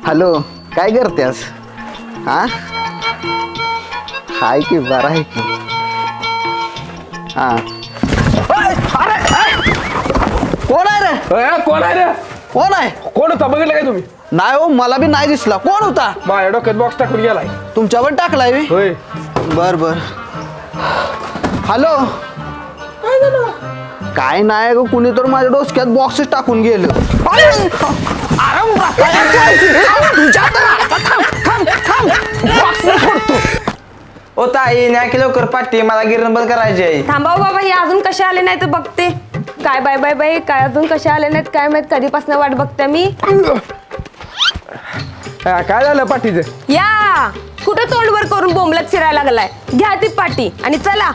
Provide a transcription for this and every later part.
Hello, काय करतेस? हा हाय की बरं आहे की. हा कोण आहे रे? कोण आहे रे? कोण आहे? कोण होता बघितलं काय तुम्ही? नाही हो, मला बी नाही दिसला. कोण होता? माझ्या डोक्यात बॉक्स टाकून गेलाय. तुमच्यावर टाकलाय बी? होय. बर बर. हॅलो, काय झालं? काय नाही ग, कुणी तर माझ्या डोसक्यात बॉक्सच टाकून गेलं. ओ ताई न्या की लवकर पाठी, मला गिरण बंद करायची आहे. थांबाव बाबा, हे अजून कसे आले नाही तर बघते. काय बाय बाय बाय, काय अजून कसे आले नाहीत काय माहित, कधीपासून वाट बघते मी. काय झालं पाठीचं? या कुठे तोंडवर करून बोंबलत फिरायला लागलाय. घ्या ती पाटी आणि चला.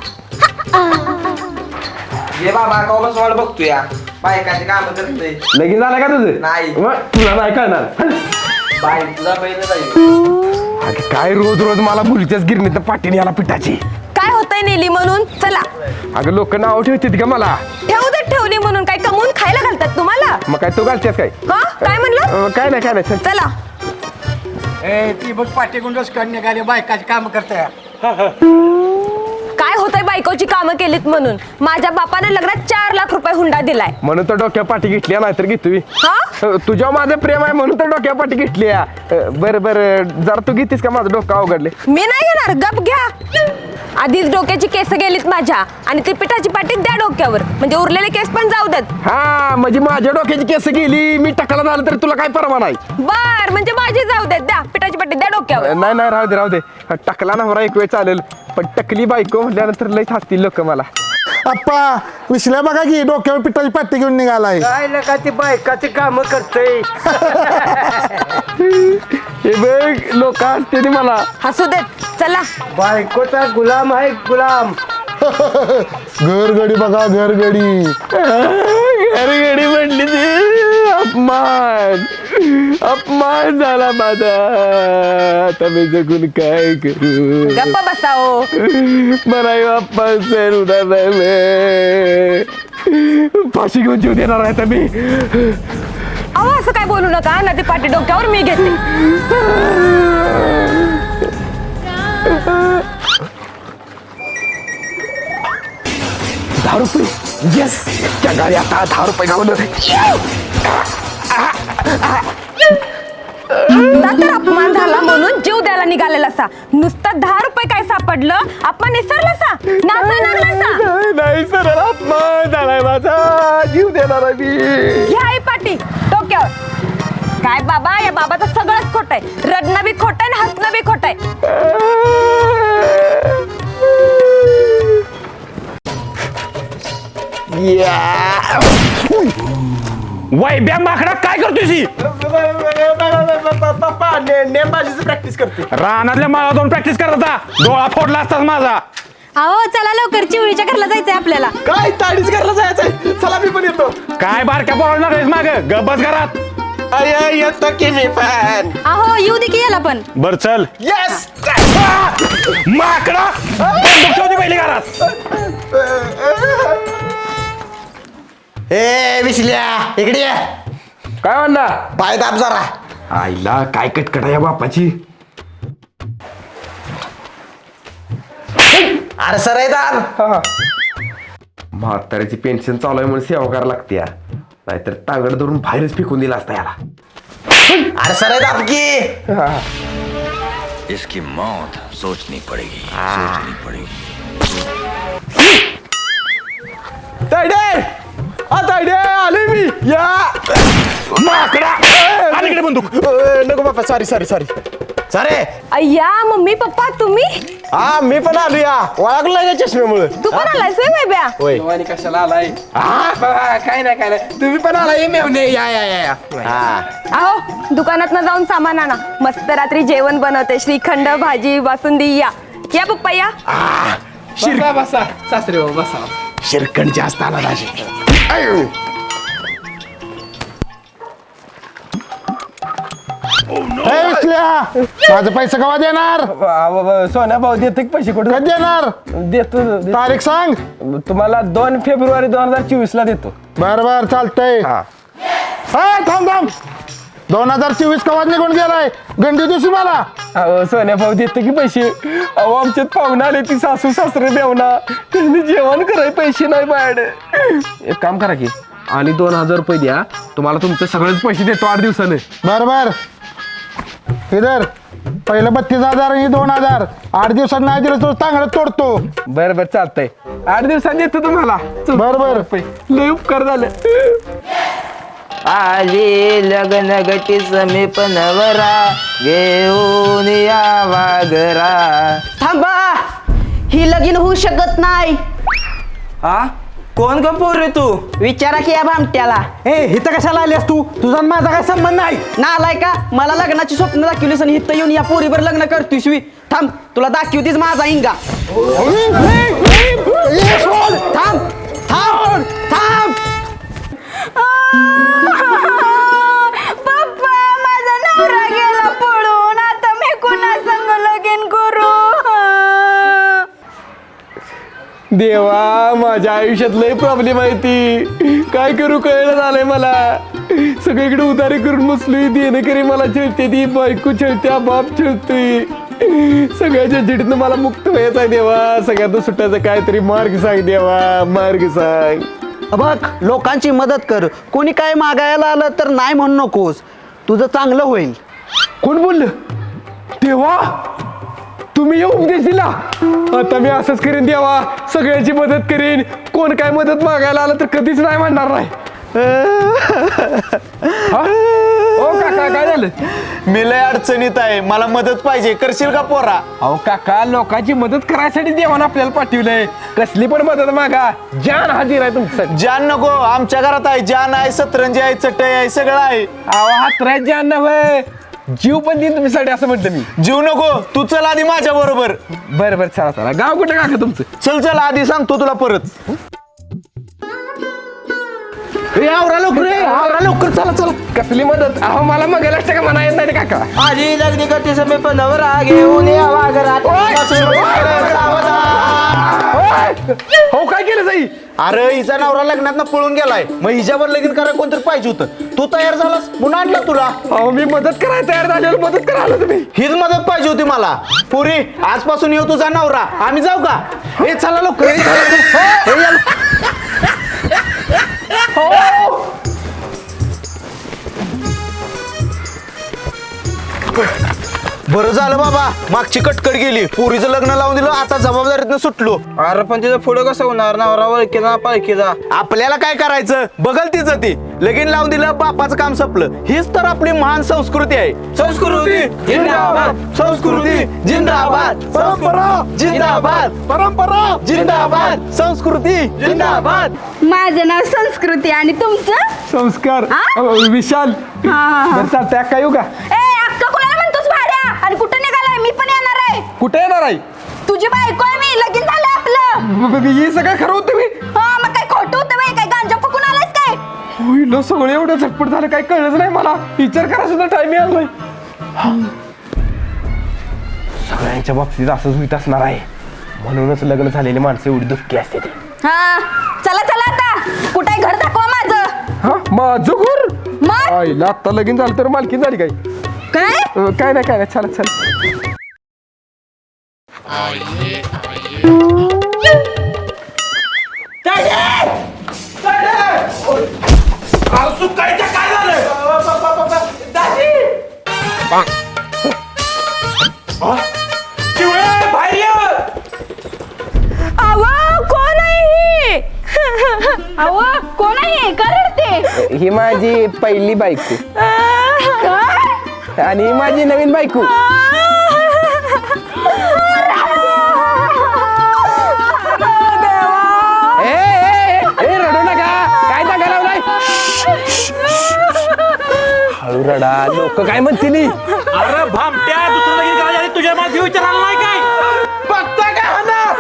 ये बाबा कॉमर्स वाट बघतो या बायकाचे काम करतोय. लगीन झालं का तुझं? नाही. मग तुला नाही कळणार. बाय तुझा बहीण जाईल. अगं काय रोज रोज मला मुलीच्याच गिरणीत पाठीने याला पिठाची. काय होतंय नेली म्हणून चला. अगं लोक नाव ठेवतात का मला? ठेवू दे, ठेवली म्हणून काय कमवून खायला घालतात तुम्हाला? मग काय तू घालतेस काय? हा काय म्हणलं? काय नाही चल. चला. ती बघ पाठी गुंडच कडणे गाडी बायकाची काम करताय. काय होतंय बायकोची कामं केलीत म्हणून? माझ्या बापाने लग्नात 4 लाख रुपये हुंडा दिलाय. म्हणून तर डोक्या पाठी घेतली नाही तर घेतोय. हा तुझ्या माझं प्रेम आहे म्हणून तर डोक्या पाठी घेतली. बरं जरा तू घेतीस का? माझं डोकं अवघडले. मी नाही घेणार, गप घ्या. आधीच डोक्याची केस गेलीत माझ्या आणि ती पिठाची पाटी द्या डोक्यावर, म्हणजे उरलेले केस पण जाऊ देत. हा म्हणजे माझ्या डोक्याची केस गेली, मी टकला झालं तर तुला काय परवा नाही. बर म्हणजे माझी जाऊ देत, द्या पिठाची पाटी द्या डोक्यावर. नाही राहू दे. टकला नवरा एक वेळ चालेल, पण टकली बायको म्हटल्यानंतर लई हसतील लोक मला. आप्पा विसल्या बघा की डोक्यावर पिठाची पाटी घेऊन निघालाय. काय नका ती बायकाची काम करतय. हे बघ लोक हसते मला. हसू देत, चला. बायकोचा गुलाम आहे गुलाम. घरगडी बघा घरगडी. घरगडी म्हणली ती अपमान झाला माझा. आता मी जगून काय करू? गप्प बसाओ. मला अपमान सहन होणार नाही. फाशी घेऊन जीव देणार आहे मी. अहो असं काय बोलू नका ना, ती पाटी डोक्यावर मी घेते. 10 रुपये. येस, त्या गाडी आता 10 रुपये गावलं. तर अपमान झाला म्हणून जीव द्यायला निघालेला असा. नुसतं 10 रुपये काय सापडलं, आपण विसरला सा? नाही सर, अपमान झालाय माझा. जीव देणार आहे मी. घ्या ही पाटी डोक्यावर. काय बाबा, या बाबाचं सगळंच खोट आहे. रडणं बी खोट आहे, हसणं बी खोट आहे. वैब्या माकडा काय करतोय? पप्पा नेमबाजीची प्रॅक्टिस करते. रानातल्या माळा जाऊन प्रॅक्टिस करत होता. डोळा फोडला असताच माझा. अहो चला लवकर, चिवळीच्या घरला जायचंय आपल्याला. काय ताडीच घरला जायचंय? चला मी पण येतो. काय बारक्या पोरांना रेस माग गबस घरात. येतो की मी पण. अहो येऊ दे की याला पण. बर चल. येस. माकडा बंदूक ठेवते पहिली घरात. ए विसल्या इकडे ये. काय म्हणला? पाय दाब जरा. आईला काय कटकट आहे या बापाची. अरे सर आहे दाब. म्हाताऱ्याची पेन्शन चालू आहे म्हणून सेवा करायला लागते या. नाहीतर टांगड धरून बाहेरच फेकून दिला असता याला. अरे सर आहे दाब की. इसकी मौत सोचनी पड़ेगी, सोचनी पड़ेगी. तायडे तायडे आले मी. या माकडा आणि इकडे बंदूक. नको बाप्पा, सॉरी सरे. अय्या मम्मी पप्पा तुम्ही. हा मी पण आलो या. ओळखलं का चष्म्यामुळे? तू पण आलायस होय बेब्या? कशाला आलाय? काय नाही तुम्ही पण आलाय मेवणे. या. अहो दुकानात ना जाऊन सामान आणा. मस्त रात्री जेवण बनवते, श्रीखंड भाजी बासुंदी. या पप्पा या. बसा सासरे हो बसा. शिरकण जास्त आला राजे. विसल्या माझे पैसे केव्हा देणार? सोन्या भाऊ देते पैसे कुठे कधी देणार? देतो. तारीख सांग. तुम्हाला 2 फेब्रुवारी 2024 ला देतो. बर चालतंय. हा. थांब 2024 कवाच निघून गेलाय गंडी दिवशी मला. अहो सोन्या भाऊ देते की पैसे. अहो आमच्यात पाहुणा आले ती सासू सासरे देवना त्यांनी जेवण कराय पैसे नाही बाहेर. एक काम करा की आणि 2000 रुपये द्या, तुम्हाला तुमचे सगळेच पैसे देतो 8 दिवसाने. बर इधर पहिलं 32,000 आणि 2,000. 8 दिवसात नाही दिलं तर चांगलं तोडतो. बरं बरं चालतंय, 8 दिवसांनी देतो तुम्हाला. बर लय उपकार झाले. आली लग्न गटी समीप नवरा घेऊन यावा घरा. थांबा, ही लगीन होऊ शकत नाही. हा कोण ग पोरे तू? विचारा की या भामट्याला. ए इथं कशाला आलीस तू? तुझा आणि माझा काय संबंध नाही. नालाय का, मला लग्नाची स्वप्न दाखवलीस आणि इथं येऊन या पोरीवर लग्न करतोयस वी. थांब, तुला दाखवतीस माझा इंगा. थांब थांब थांब. पप्पा माझा नवरा गेला पळून, आता मी कुणा संग लगीन करू? देवा माझ्या आयुष्यात लय प्रॉब्लेम आहे ती, काय करू कळलं झालंय मला. सगळीकडे उधारी करून बसलोय, देणेकरी मला छळते, ती बायको छळत्या, बाप छळतोय. सगळ्याच्या झिडीतनं मला मुक्त व्हायचं आहे देवा. सगळ्यात सुटायचं काहीतरी मार्ग सांग देवा, मार्ग सांग. बघ, लोकांची मदत कर. कोणी काय मागायला आलं तर नाही म्हणू नकोस, तुझं चांगलं होईल. कोण बोललं? देवा तुम्ही येऊ उपदेश दिला. आता मी असंच करीन देवा, सगळ्यांची मदत करीन. कोण काय मदत मागायला आलं तर कधीच नाही म्हणणार नाही. हा? ओ काका काय झालं? मी लय अडचणीत आहे, मला मदत पाहिजे, करशील का पोरा? अहो काका, लोकांची मदत करायसाठी देवानं आपल्याला पाठवलंय. कसली पण मदत मागा, जान हाजीर आहे तुमचं. जान नको, आमच्या घरात आहे जान आहे, सतरंजी आहे, चटई आहे, सगळं आहे. अहो हातराय जान नव्हे, जीव पण देईन तुमच्यासाठी असं म्हणतो मी. जीव नको, तू चल आधी माझ्या बरोबर. बरं बरं चला चला. गाव कुठे काका तुमचं? चल आधी सांगतो तुला परत. आवरा लवकर चला चला. कसली मदत? अहो मला मगायला का म्हणा येत नाही काका. आली लग्न गटी समीप नवरा घेऊन यावा घरा. हो काय केलं जाई? अरे हिचा नवरा लग्नात पळून गेलाय, मग हिच्यावर लगीन करायला कोणतरी पाहिजे होतं. तू तयार झालास म्हणून आणला तुला. अहो मी मदत करायला तयार झालेलो, मदत करायला तुम्ही. हीच मदत पाहिजे होती मला. पुरी आजपासून येऊ तुझा नवरा. आम्ही जाऊ का? हे चला लवकर. हे या. बरं झालं बाबा, मागची कटकट गेली. पोरीचं लग्न लावून दिलं, आता जबाबदारीतनं सुटलो. अरे पण तिचं पुढे कसं होणार? नवरा वळखीचा पालखीचा. आपल्याला काय करायचं, बघल तिचं ती. लगीन लावून दिलं, बापाचं काम संपलं. हीच तर आपली महान संस्कृती आहे. संस्कृती जिंदाबाद, संस्कृती जिंदाबाद, परंपरा जिंदाबाद, परंपरा जिंदाबाद, संस्कृती जिंदाबाद. माझं नाव संस्कृती आणि तुमचं? संस्कार. हा? विशाल. हा. बरं चालतंय, काय येऊ का? ए अक्का कुणाला म्हणतोस भाड्या? आणि कुठं निघालाय? मी पण येणार आहे. कुठे येणार आहे? तुझी बायको आहे मी, लगीन झालं आपलं. हे सगळं खरं होतं मी. हा मग काय खोटं होतं बाई? काय गांजा फुकून आलायस काय? होईल सगळं एवढं झटपट झालं, काय कळलंच नाही मला. विचार करा सुद्धा टाइम आलाय. सगळ्यांच्या बाबतीत असंच होत असणार आहे, म्हणूनच लग्न झालेली माणसं एवढी दुःखी असते ती. हा चला चला आता. कुठे घर दाखवा माझं. हा माझं घर? मग आईला आता लगीन झालं तर मालकी झाली काय? काय? काय नाही चला चला. कोण आहे? अव कोण आहे? का रडते? ही माझी पहिली बायको काय? आणि ही माझी नवीन बायको. ए रडू नका, काय जागा लावलाय? हळू रडा, लोक काय म्हणतील? अरे भामट्या, दुसरं लगीन करायच्या आधी तुझ्या माझी विचारायला नाही काय? बघता काय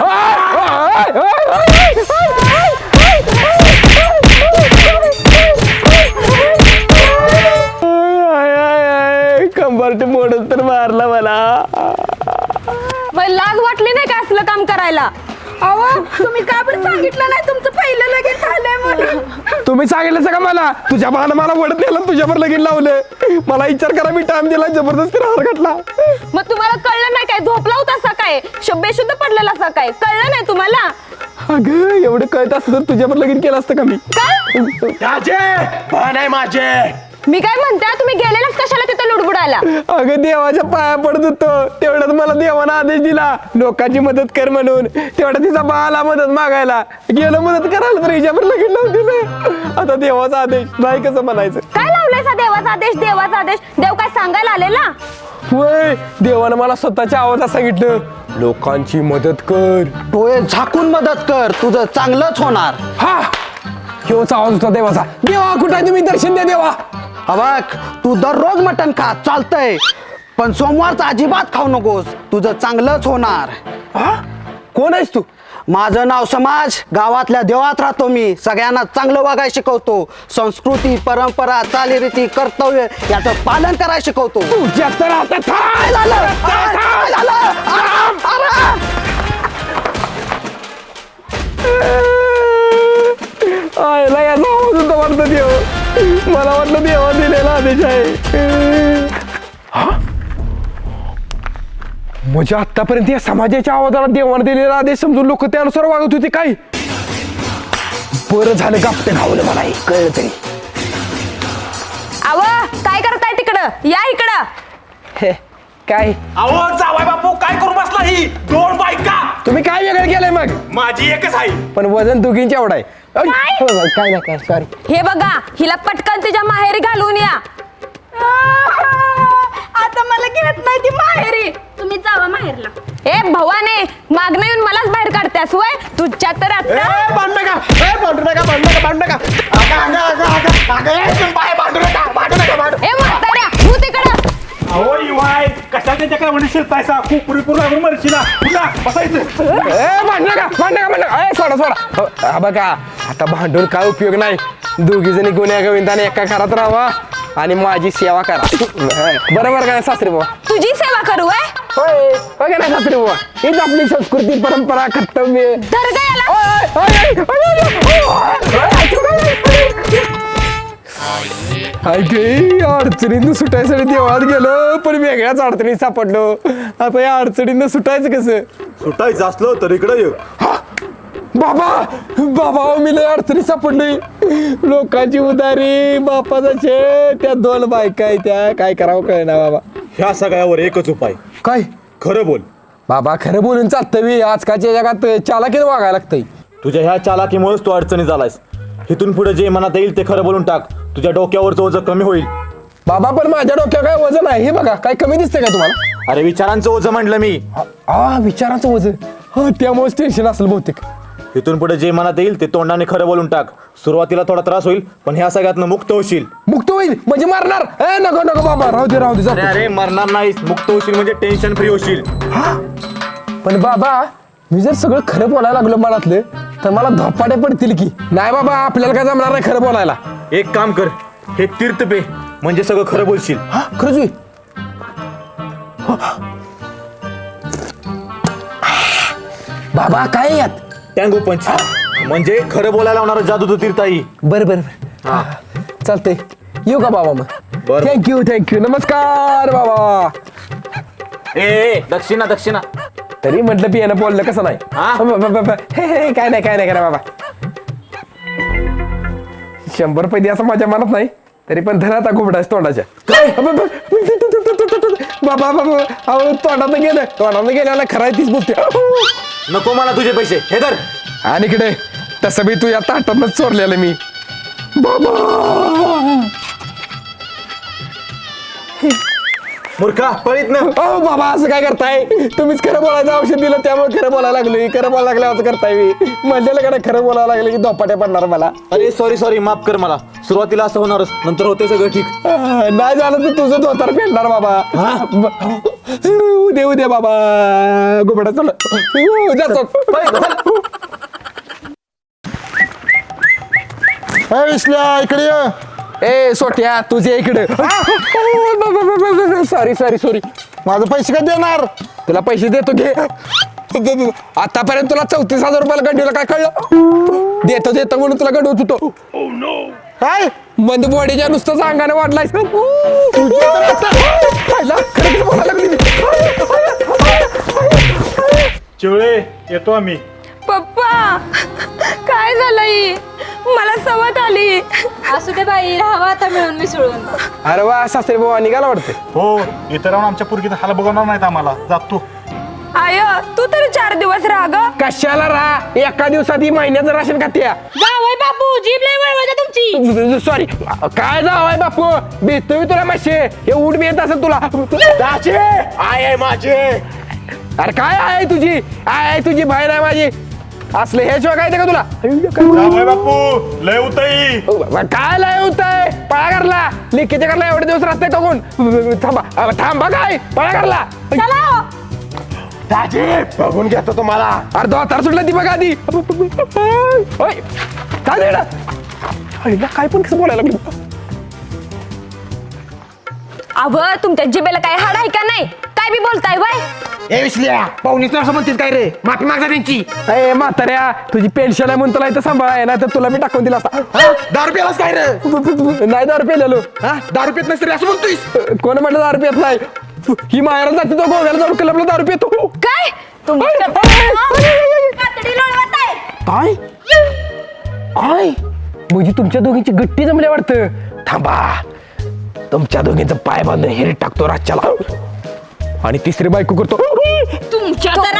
कंबरटे मोडत तर मारला मला. लाज वाटली नाही का असलं काम करायला? अहो तुम्ही का बरं सांगितलं नाही तुमचं पहिलं लगेच झालंय म्हणून? तुम्ही सांगितलं का मला तुझ्या बाळानं मला वडत नेलं तुझ्यावर लगीन लावलं मला विचार करा मी टाइम दिला जबरदस्ती हार घातला मग तुम्हाला कळलं नाही काय झोपला होता सकाळी बेशुद्ध पडलेला सकाळी कळलं नाही तुम्हाला अगं एवढं कळत असतं तर तुझ्यावर लगीन केलं असतं का मी काय नाही माझे मी काय म्हणते तुम्ही गेलेलाच कशाला तिथे लुडबुडायला अगं देवाच्या पाया पडत होतो तेवढ्यात मला देवानं आदेश दिला लोकांची मदत कर म्हणून तेवढ्या तिचा बाळाला मदत मागायला गेलं मदत करायला तर हिच्यावर लगीन लावून दिलं आता देवाचा आदेश नाही कसं म्हणायचं काय लावलायचा देवाचा आदेश देव काय सांगायला आलेला होय देवानं मला स्वतःच्या आवाजात सांगितलं लोकांची मदत कर डोळे झाकून मदत कर तुझं चांगलंच होणार. हा ह्योच आवाज होता देवाचा देवा कुठे आहे तुम्ही दर्शन द्या देवा बघ तू दररोज मटण खा चालतंय पण सोमवारचं अजिबात खाऊ नकोस तुझं चांगलंच होणार. कोण आहेस तू माझं नाव समाज गावातल्या देवात राहतो मी सगळ्यांना चांगलं वागायला शिकवतो संस्कृती परंपरा चालीरीती कर्तव्य याचं पालन करायला शिकवतो. तुझ्या तर आता काय झालं? काय झालं? आराम, आराम. आयला याचा आवाज होता वाटतं देव मला वाटलं देवा दिलेला आदेश आहे म्हणजे आतापर्यंत या समाजाच्या आवाजाला देवाने दिलेला आदेश समजून लोक त्यानुसार वागत होते काय बरं झालं गापते घावलं मला हे कळलं तरी अव काय करताय तिकडं या इकडं काय अहो जावाय बापू काय करू बसला ही 2 बायका तुम्ही काय वेगळं केलंय मग माझी एकच आहे पण वजन दोघींच्या एवढा आहे काय नाही काय सॉरी हे बघा हिला पटकन तिच्या माहेरी घालून या आता मला घेत नाही ती माहेरी तुम्ही जावा माहेरला ए भवाने मागणं येऊन मलाच बाहेर काढतेस वय तुझ्या तर आता ए म्हाताऱ्या तू तिकडं अहो युवाय कशा त्याच्याकडे म्हणे शिरतायसा खूप पुरेपूर लागून मरशीला पुन्हा बसायचं सोडा बघा आता भांडून काय उपयोग नाही दोघी जणी गुन्ह्या गोविंदाने एका घरात राहावा आणि माझी सेवा करा बरोबर काय सासरी बाबा तुझी सेवा करू वय होय बघा ना सासरी बाबा हीच आपली संस्कृती परंपरा कर्तव्य दर्गा अडचणींना सुटायसाठी देवळात गेलो पण वेगळ्याच अडचणीत सापडलो आता या अडचणींना सुटायचं कसं सुटायचं असलं तर इकडे ये बाबा बाबा मी लय अडचणीत सापडली लोकांची उदारी बापाचा छे त्या 2 बायका आहेत त्या काय करावं कळना बाबा ह्या सगळ्यावर एकच उपाय काय खरं बोल बाबा खरं बोलून चालतं मी आजकालच्या जगात चालाकीने वागायला लागतंय तुझ्या ह्या चालाकीमुळेच तू अडचणी झालायस इथून पुढे जे मनात येईल ते खरं बोलून टाक तुझ्या डोक्यावरचं ओझं कमी होईल बाबा पण माझ्या डोक्यावर काय वजन आहे हे बघा काय कमी दिसतंय का तुम्हाला अरे विचारांचं ओझं म्हटलं मी विचारांचं वजन हा त्यामुळेच टेन्शन असेल बहुतेक इथून पुढे जे मनात येईल ते तोंडाने खरं बोलून टाक सुरुवातीला थोडा त्रास होईल पण ह्या सगळ्यातनं मुक्त होशील मुक्त होईल म्हणजे मारणार ए नको नको बाबा राहू दे जातो. अरे मरणार नाहीस मुक्त होशील म्हणजे टेन्शन फ्री होशील पण बाबा मी जर सगळं खरं बोलायला लागलो मनातलं तर मला धपाटे पडतील की नाही बाबा आपल्याला काय जमणार नाही खरं बोलायला एक काम कर हे तीर्थ पे म्हणजे सगळं खरं बोलशील खरंच होईल बाबा काय यात टँगो पंच म्हणजे खरं बोलायला लावणारं जादू तीर्थाई बरं चालतंय येऊ का बाबा मग बरं. थँक्यू नमस्कार बाबा ए दक्षिणा दक्षिणा तरी म्हटलं पियानं बोललं कसं नाही हे, काय नाही करा बाबा 100 रुपये द्यायचं माझ्या मनात नाही तरी पण धरा आता घुबडाच तोंडाच्या बाबा अहो तोंडात गेल्याला खराय तीच बोलते नको मला तुझे पैसे हे धर आणि इकडे तसं बी तू या ताटातच चोरलेलं मी बाबा मूर्खा पळीत ना ओ बाबा असं काय करताय तुम्हीच खरं बोलायचं औषध दिलं त्यामुळे खरं बोलायला लागलोय खरं बोलायला लागलं असं करताय मी म्हणलेलं कडे खरं बोलायला लागलं की धोपाट्या पडणार मला अरे सॉरी माफ कर मला सुरुवातीला असं होणारच नंतर होते सगळं ठीक नाही झालं तर तुझं धोतर फेडणार बाबा उद्या बाबा घुबडा चल विसल्या इकडे ये. ए सोट्या तुझे इकडे सॉरी माझं पैसे कधी देणार तुला पैसे देतो घे आतापर्यंत तुला 34,000 रुपयाला गंडीला काय कळलं? देतो देतो म्हणून तुला गंडवत होतो. काय मंद बॉडीच्या नुसतं अंगाने वाढलायस. खरं बोलायला लागली. चिवळे येतो आम्ही. पप्पा काय झालंय? मला सवत आली. असू दे बाई, राहावा आता मिळून मिसळून. अरे वा सासरे बाबा निघाला वाटते. हो इथं राहून आमच्या पुरगीत हाल बघवणार नाहीत आम्हाला. जातो. आय तू तरी 4 दिवस राहा ग. कशाला राहा? एका दिवसात ही महिन्याचं राशन खात्या. जावई बापू, जीभ लय वळवळते तुमची. सॉरी काय जावाय बापू, भेटतो मी तुला मासे. हे उठ बी येत असेल तुला. दाचे आय आहे माझे. अरे काय आहे तुझी? आहे तुझी बाहेर आहे माझी. असले हे शिवाय काय का तुला? जावई बापू लय उताई. काय लय होतंय? पळा करला लिखीचे करला. एवढे दिवस रस्ते टाकून थांबा थांबा. काय पळा करला? चला दाचे बघून घेतो तुम्हाला. अरे दोतार सुटला ती बघा आधी. ओय, काय देणार? अरे काय पण कसं बोलायला लागलं? अव तुमच्या जिबेला काय हाड आहे का नाही? काय बी बोलताय बाय. ए विसल्या पाहुणीच असं म्हणतील काय रे? माफी मागजा त्यांची. ए म्हाताऱ्या, तुझी पेन्शन आहे म्हणून तुला इथं सांभाळ आहे ना, तर तुला मी टाकून दिला असता. दारू प्यालास काय रे? नाही 10 रुपये लिहिलो. हा दारू पित नसतरी असं म्हणतोयस? कोण म्हटलं 10 रुपये नाही? ही माहेरात जाते तो गोव्याला जाऊन क्लबला 10 रुपये येतो. काय तुमच्या कातडी लोळवत आहे. काय काय म्हणजे तुमच्या दोघींची गट्टी जमली वाटतं. थांबा, तुमच्या दोघींचं पाय बांधून हेरीत टाकतो राज्याला आणि तिसरी बायको करतो. तुमच्या तर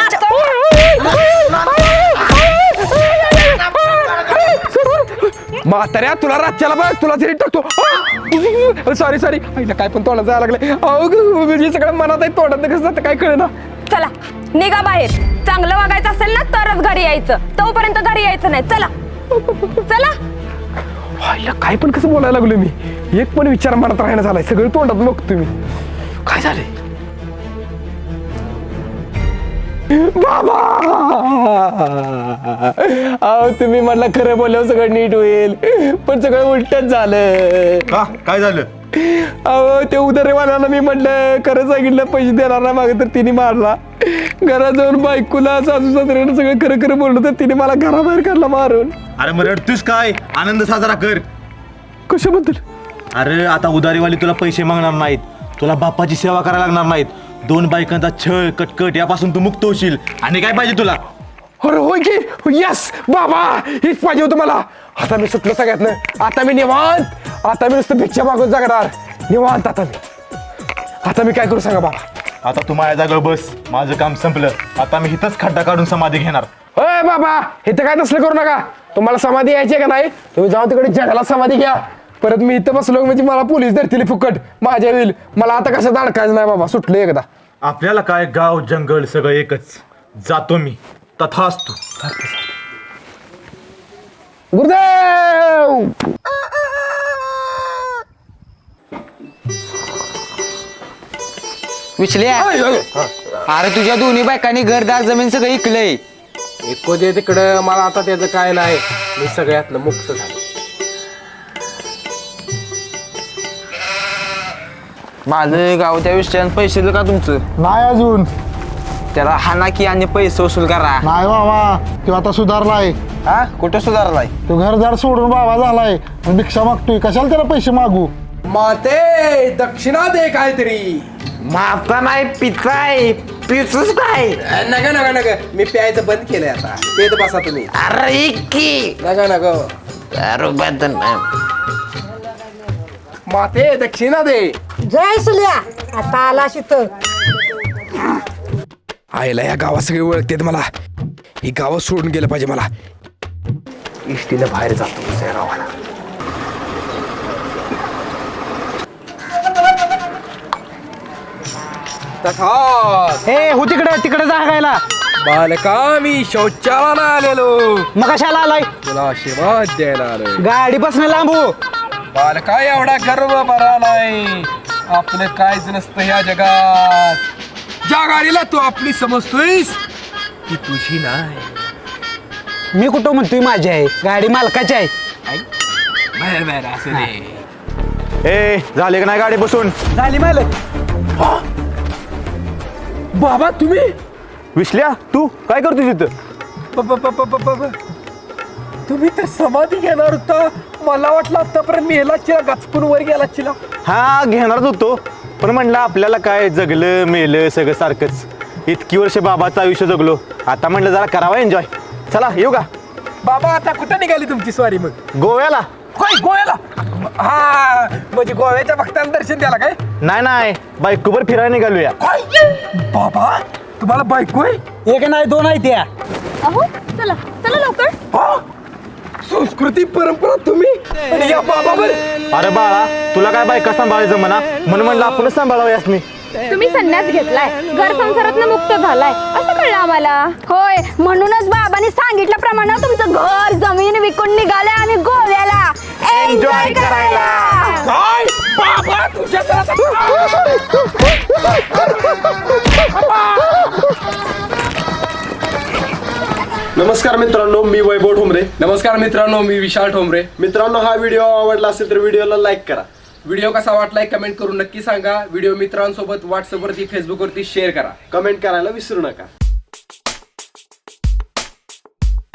म्हाताऱ्या तुला राज्याला बघ, तुला हेरीत टाकतो. सॉरी सॉरी, आईला काय पण तोंडात जायला लागलं. अहो म्हणजे सगळं मनात आहे, तोंडात कसं जातं काय कळेना. चला निघा बाहेर. चांगलं वागायचं असेल ना तरच घरी यायचं, तोपर्यंत घरी यायचं नाही. चला चला. आईला काय पण कसं बोलायला लागलो मी. एक पण विचार मनात राहणं झालाय, सगळं तोंडात बघतो मी. काय झालंय बाबा? अहो तुम्ही म्हटलं खरं बोलल्यावर सगळं नीट होईल, पण सगळं उलटच झालं. का काय झालं? अहो ते उधारीवाल्याला मी म्हटलं खरं सांगितलं, पैसे देणार ना मागे, तर तिने मारला. घरात जाऊन बायकोला सासू सासऱ्यानं सगळं खरं खरं बोललं, तर तिने मला घराबाहेर काढला मारून. अरे मग रडतोस काय? आनंद साजरा कर. कशाबद्दल? अरे आता उधारीवाली तुला पैसे मागणार नाहीत, तुला बापाची सेवा करायला लागणार नाहीत. 2 बायकांचा छळ कटकट यापासून तू मुक्त होशील. आणि काय पाहिजे तुला? अरे होय की, यस बाबा, हेच पाहिजे होतं मला. आता मी सुटलो सगळ्यातनं. आता मी निवांत, आता मी नुसतं भिक्षा मागून जगणार निवांत. आता मी काय करू सांगा बाबा? आता तू माझ्या जागेवर बस, माझं काम संपलं. आता मी इथंच खड्डा काढून समाधी घेणार. होय बाबा, हे तर काय तसलं करू नका. तुम्हाला समाधी यायची का नाही? तुम्ही जाऊन तिकडे जगाला समाधी घ्या. परत मी इथं बसलो म्हणजे मला पोलीस धरतील फुकट, माझ्या होईल. मला आता कसं अडकायचं नाही बाबा, सुटलं एकदा. आपल्याला काय गाव जंगल सगळं एकच. जातो मी. तथास्तु. गुरुदेव. विचल्या अरे तुझ्या दोन्ही बायकांनी घरदार जमीन सगळं इकलंय. एको दे तिकडं, मला आता त्याचं काय नाही. मी सगळ्यातनं मुक्त झालो. माझं गाव त्या विषयात पैसे देऊ का तुमचं? नाही अजून. त्याला हाना की आणि पैसे वसूल करा. नाही बाबा, तो आता सुधारलाय. हा कुठं सुधारलाय? तो घरदार सोडून बाबा झालाय आणि भिक्षा मागतोय. कशाला त्याला पैसे मागू? माते दक्षिणा दे काहीतरी. माता नाही पिताय. पितूच काय? नका नका नका, मी प्यायचं बंद केलंय आता. पेत बसा तुम्ही. अरे की नका नका. माते दक्षिणा दे. जय सुल्या, आता आला शित. आईला या गावात सगळे ओळखतेत मला. ही गाव सोडून गेलं पाहिजे मला. इष्टीला बाहेर जातो दुसऱ्या गावाला. ए हो तिकडे जागायला. बालका मी शौचाला आलेलो. मग कशाला आलाय? तुला आशीर्वाद द्यायला आलोय. गाडी बसणं लांबू. बालका एवढा गर्व भरालाय. आपलं काहीच नसतं या जगात. ज्या गाडीला तू आपली समजतोयस ती तुझी नाही. मी कुठं म्हणतोय माझी आहे, गाडी मालकाची आहे. बाहेर बाहेर असं दे. ए झाले का नाही गाडी बसून? झाली मालक. बाबा तुम्ही विसल्या तू काय करतोस तिथं? तुम्ही तर समाधी घेणार होता मला वाटलं आतापर्यंत मी ह्याला चिला गचकून वर गेला चिला. हा घेणारच होतो पण म्हणलं आपल्याला काय जगलं मेलं सगळं सारखंच. इतकी वर्ष बाबाचं आयुष्य जगलो आता म्हणलं जरा करावा एन्जॉय. चला येऊ का? बाबा आता कुठं निघाली तुमची स्वारी मग? गोव्याला. काय गोव्याला? हा म्हणजे गोव्याच्या भक्तांना दर्शन द्यायला काय? नाही बायकोवर फिरायला निघालूया. काय बाबा तुम्हाला बायको आहे? एक नाही दोन आहे त्या. अहो चला चला लवकर. हा? संस्कृती परंपरा तुम्ही आणि या बाबावर. अरे बाळा तुला काय बायका सांभाळायचं म्हणा म्हणून म्हणलं आपणच सांभाळावं यासनी. तुम्ही संन्यास घेतलाय घर संसारातनं मुक्त झालाय असं कळलं आम्हाला. होय म्हणूनच बाबांनी सांगितल्याप्रमाणे तुमचं घर जमीन विकून निघाले आणि गोव्याला एन्जॉय करायला. काय बाबा तुझ्या नमस्कार मित्रांनो, मी वैभव ठोंबरे. नमस्कार मित्रांनो मी विशाल ठोंबरे. मित्रांनो, हा व्हिडिओ आवडला असेल तर व्हिडिओला लाईक करा. व्हिडिओ कसा वाटलाय कमेंट करून नक्की सांगा. व्हिडिओ मित्रांसोबत व्हॉट्सअपवरती फेसबुकवरती शेअर करा. कमेंट करायला विसरू नका.